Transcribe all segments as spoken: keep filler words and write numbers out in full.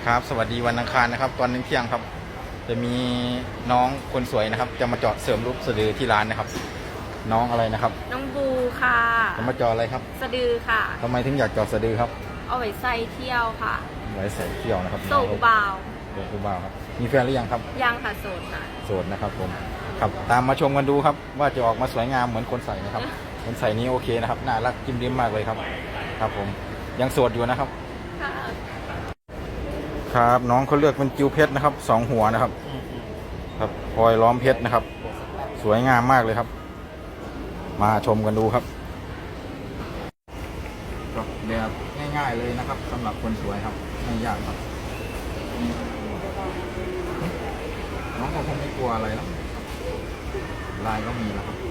ครับสวัสดีวันอังคารนะครับตอนเที่ยงครับจะมีน้องคนสวยนะครับจะมาเจาะเสริมรูปสะดือที่ร้านนะครับน้องอะไรนะครับน้องบูค่ะจะมาเจาะอะไรครับสะดือค่ะทำไมถึงอยากเจาะสะดือครับเอาไว้ใส่เที่ยวค่ะไว้ใส่เที่ยวนะครับโสดเบาโสดเบาครับมีแฟนหรือยังครับยังค่ะโสดค่ะโสดนะครับผมครับตามมาชมกันดูครับว่าจะออกมาสวยงามเหมือนคนใส่นะครับคนใส่นี้โอเคนะครับน่ารักจิ้มริมมากเลยครับครับผมยังโสดอยู่นะครับครับน้องเขาเลือกเป็นจิวเพชรนะครับสองหัวนะครับครับพลอยล้อมเพชรนะครับสวยงามมากเลยครับมาชมกันดูครับแบบง่ายๆเลยนะครับสำหรับคนสวยครับไม่ยากครับน้องก็คงไม่กลัวอะไรแล้วลายก็มีแล้วครับ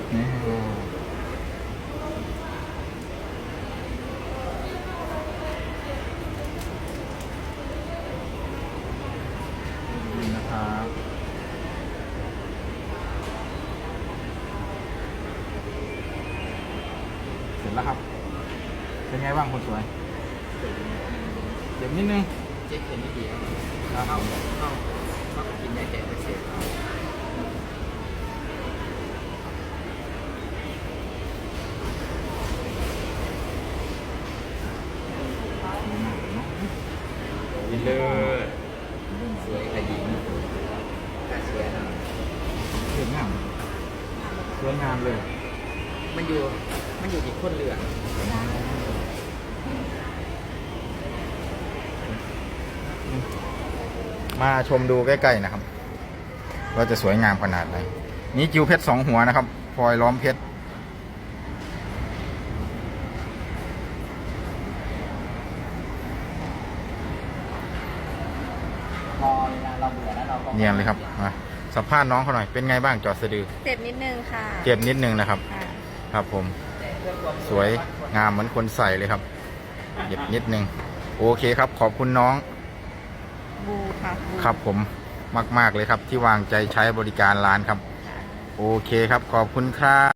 นี่นะครับเสร็จแล้วครับเป็นไงบ้างคนสวยเจ็บนิดนึงเจ็บเห็นไม่ดีครับเข้าเข้าเข้ากินยาแก้อักเสบดีเลยสวยขยิงแต่สวยนะสวยงามสวยงามเลยมันอยู่มันอยู่ที่คนเลือกมาชมดูใกล้ๆนะครับว่าจะสวยงามขนาดไหนนี่จิวเพชรสองหัวนะครับพลอยล้อมเพชรพอเวลาเราเบื่อแล้วเราก็เนียนเลยครับมาสัมภาษณ์น้องเขาหน่อยเป็นไงบ้างจอดสะดือเจ็บนิดนึงค่ะเจ็บนิดนึงนะครับครับผมสวยงามเหมือนคนใส่เลยครับเจ็บนิดนึงโอเคครับขอบคุณน้องบูค่ะครับผมมากๆเลยครับที่วางใจใช้บริการร้านครับโอเคครับขอบคุณครับ